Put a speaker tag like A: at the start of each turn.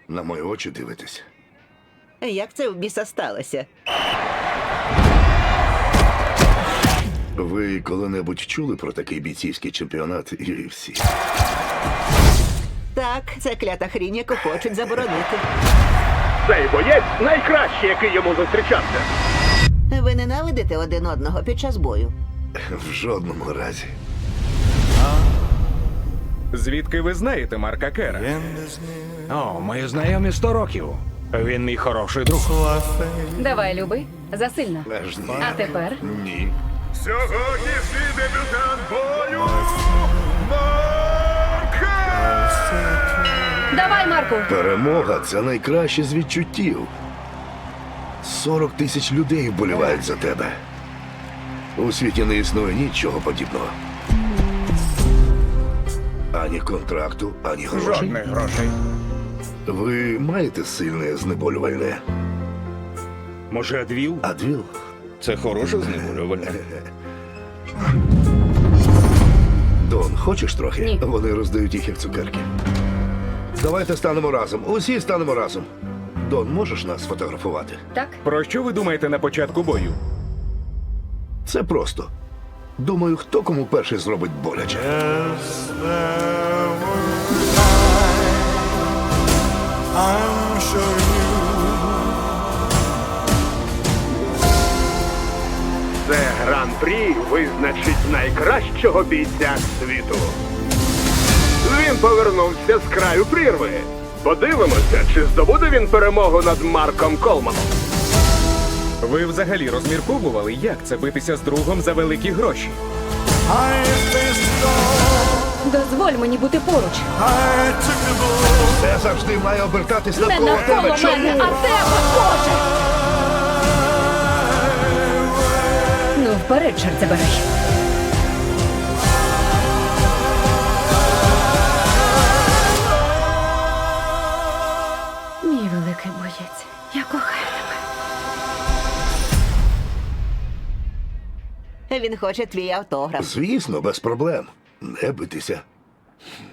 A: На мої очі дивитесь.
B: Як це в біса сталося?
A: Ви коли-небудь чули про такий бійцівський чемпіонат UFC?
B: Так, це клята хрінь, яку хочуть заборонити.
C: Цей боєць найкращий, який йому зустрічався.
B: Ви ненавидите один одного під час бою?
A: В жодному разі.
D: Звідки ви знаєте Марка Кера? О, ми знайомі 100 років. Він мій хороший друг.
E: Давай, люби, засильно.
A: Аж ні.
E: А тепер
A: Ні.
C: Сьогоднішній дебютант бою Марка!
E: давай, Марку.
A: Перемога – це найкраще з відчуттів. 40 тисяч людей вболівають за тебе. У світі не існує нічого подібного. Ані контракту, ані грошей.
D: Жодних грошей.
A: Ви маєте сильне знеболювальне?
F: Може, Адвіл?
A: Адвіл?
F: Це хороше знеболювальне.
A: Дон, хочеш трохи?
E: Ні.
A: Вони роздають їх як цукерки. Давайте станемо разом. Усі станемо разом. Дон, можеш нас сфотографувати?
E: Так?
D: Про що ви думаєте на початку бою?
A: Це просто. Думаю, хто кому перший зробить боляче.
C: Це гран-прі визначить найкращого бійця світу. Він повернувся з краю прірви. Подивимося, чи здобуде він перемогу над Марком Колманом.
D: Ви взагалі розмірковували, як це битися з другом за великі гроші?
E: Дозволь мені бути поруч.
A: Все завжди має обертатись
E: Не
A: навколо
E: навколо
A: тебе.
E: мене, а тебе, Боже! Ну, вперед, чорт забирай. Мій великий боєць, я кохаю тебе.
B: Він хоче твій автограф.
A: Звісно, без проблем. Не битися.